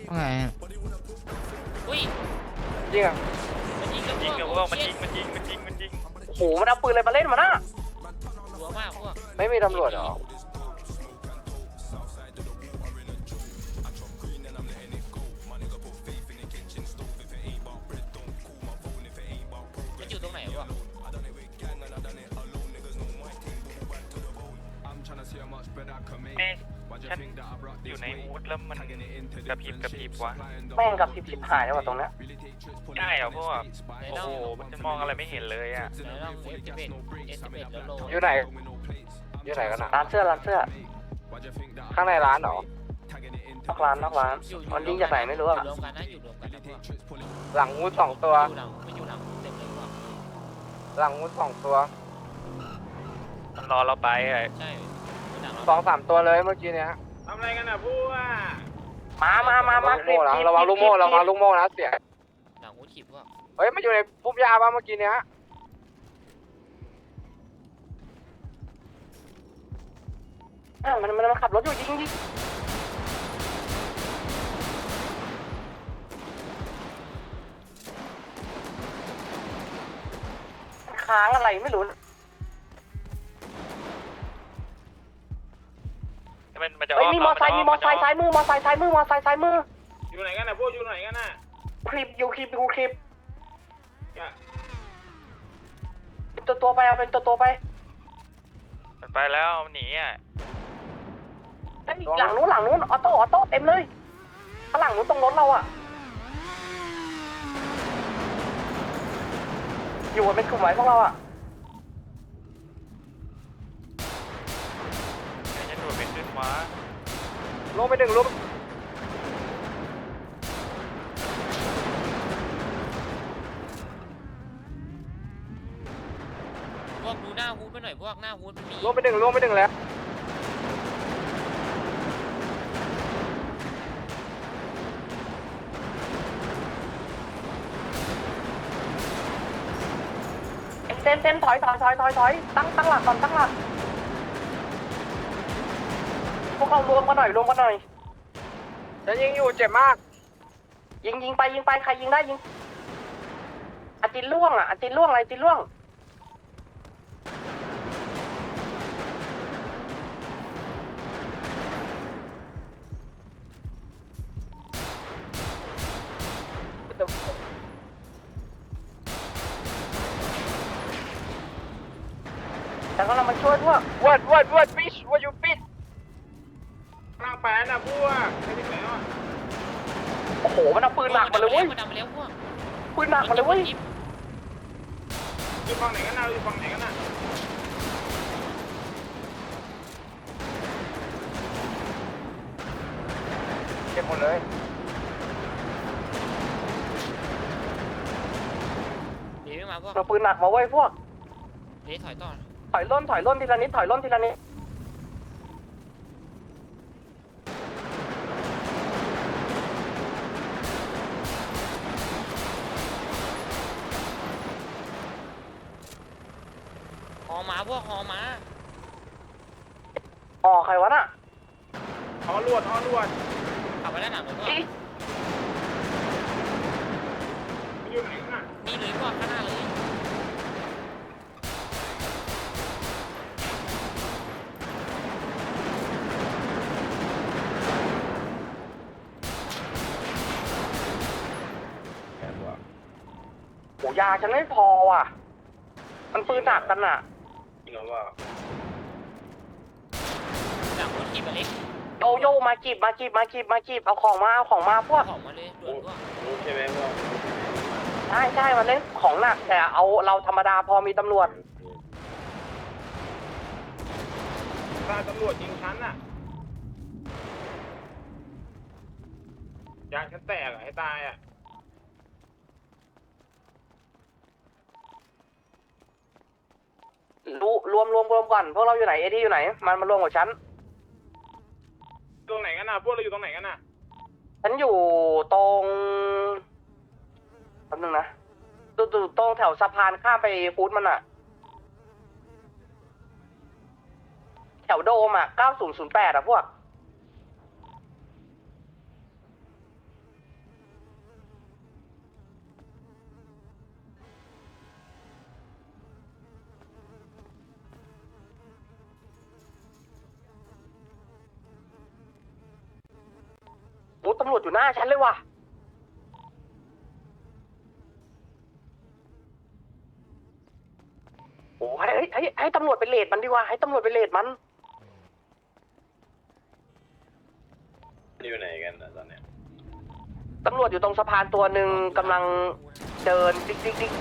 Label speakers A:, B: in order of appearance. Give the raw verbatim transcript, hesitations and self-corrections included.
A: ว่าไงอะ
B: อุ้ย
C: จริงอ่ะ
B: มันยิงกัน
D: ยิงกับพ
B: พ
D: ว
B: ว
D: ก
B: ก
D: มันยิงมันยิงมันยิงมันยิง
C: โหมันเอาปืนอะไรมาเล่นมาน่ะ
B: หัวมากพวก
C: ไม่มีตำรวจเหรอ
B: มันอยู่ตรงไหนวะ
D: เอ๊ะฉันอยู่ในอูดแล้วมันกระพริบกระพริบวะ
C: แม่งกับทิพย์หายแล้วว่ะตรงเนี้ย
D: ใช่เหรอพวกโอ้โหมันมองอะไรไม่เห็นเลยอ่ะ
B: ไหนลอง เอฟ สิบเอ็ด เอฟ สิบเอ็ด แล้วโล
C: อยู่ไหนอยู่ไหนกันอ่ะร้านเสื้อร้านเสื้อข้างในร้านเหรอนอกร้านนอกร้านมันยิงจากไหนไม่รู้อ่ะ
B: อยู่รวมกันนะอยู่รวมกันนะพวก
C: หลังงูสองตัว
B: อยู่หลังมันอยู่หลังเต็มเลยพวก
C: หลังงูสองตัว
D: มันรอเราไปอ่ะ
B: ใช่หลัง
C: สองสามตัวเลยเมื่อกี้เนี้ย
E: ทำอะไรกันอ่ะพวก
C: มามามามาคลิประวังลูกโม่ระวังลูกโม่นะเสีย
B: หลังวุ้นขีบพวก
C: เฮ้ยมันอยู่ในพุ่มหญ้าป่ะเมื่อกี้เนี้ยอ่ะมันมันมันขับรถอยู่ยิงยิงค้างอะไรไม่รู้
D: มันมันจะ
C: เฮ้ยมีมอไซค์มีมอไซค์ซ้ายมือมอไซค์ซ้ายมือมอไซค์ซ้ายมือ
E: อยู่ไหนกันอ่ะพวกอยู่ไหนกันอ่ะ
C: คลิปอยู่คลิปอยู่คลิปตัวตัวไปเอาเป็นตัวตัวไป
D: มันไปแล้วมันหนีอ่ะ
C: หลังนู้นหลังนู้นออโต้ออโต้เต็มเลยข้างหลังนู้นตรงรถเราอะอยู่กันเป็นกลุ่มไว้พวกเราอะ
D: ไอ้ยันโดดเป็นขึ้นวะ
C: ลงไปหนึ่งลง
B: พวกดูหน้าฮูดไปหน่อยพวกหน้าฮูดมันมี
C: ลงไปหนึ่งลงไปหนึ่งแล้วเต้นเต้นถอยถอยถอยถอยถอยตั้งตั้งหลักก่อนตั้งหลักพวกเรารวมกันหน่อยรวมกันหน่อยจะยิงอยู่เจ็บมากยิงยิงไปยิงไปใครยิงได้ยิงอาจินล่วงอ่ะอาจินล่วงอะไรอาจินล่วงแต่ก็เรามาช่วยพวกวัดวัดวัดฟิชวัดยูฟิช
E: ร่างแปนอ่ะพวกไม่ถึงแล้ว
C: โอ้โหมันเอาปืนหนักมาเลยเว้ย
B: มันดำมาแล้วพวก
C: ปืนหนักมาเลยเว้ย
E: อยู่ฝั่งไหนกันนะอยู่ฝั่งไหนกันนะ
C: เก็บหมดเลย
B: เดี๋ยวไม่มาพวก
C: เอาปืนหนักมาเว้ยพวก
B: เดี๋ยวถอยต่อ
C: ถอยล่นถอยล่นทีละนิดถอยล่นทีละนิด
B: หอมาพวกหอมา
C: อ๋อใครวะน่ะ
E: อ๋อลวดอ๋อลวด
B: ขับไปด้านหลังเลยพวก
C: อี
E: อยู่ไหนกันอ่ะ
B: นี่เลยพวกข้างหน้าเลย
C: โหยาฉันไม่พอว่ะมันปืนหนักกันน่ะ
E: จริงเหรอว่า
B: หลังวุ้นขีบอะเล็ก
C: โยโย่มาจีบมาจีบมาจีบมาจีบเอาของมาเอาของมาพวก
B: ของมาเลยด่วนพวก
E: รู้ใช่ไหมพวก
C: ใช่ใช่มันเล่นของหนักแต่เอาเราธรรมดาพอมีตำรวจ
E: ถ้าตำรวจยิงฉันอ่ะยางฉันแตกอ่ะให้ตายอ่ะ
C: รู้รวมรวมรวมก่อนพวกเราอยู่ไหนเอดี้อยู่ไหนมันมารวมกับฉัน
E: ตรงไหนกันนะพวกเราอยู่ตรงไหนกันนะ
C: ฉันอยู่ตรงแป๊บนึงนะตรงตรงแถวสะพานข้ามไปฟู้ดมันอะแถวโดมอะเก้าศูนย์ศูนย์แปดอะพวกตำรวจอยู่หน้าฉันเลยว่ะโอ้ให้ให้ให้ให้ตำรวจไปเลดมันดีกว่าให้ตำรวจไปเลดมัน
A: อยู่ไหนกันนะตอนเนี้ย
C: ตำรวจอยู่ตรงสะพานตัวหนึ่งกำลังเดินดิ๊กดิ๊กดิ๊ก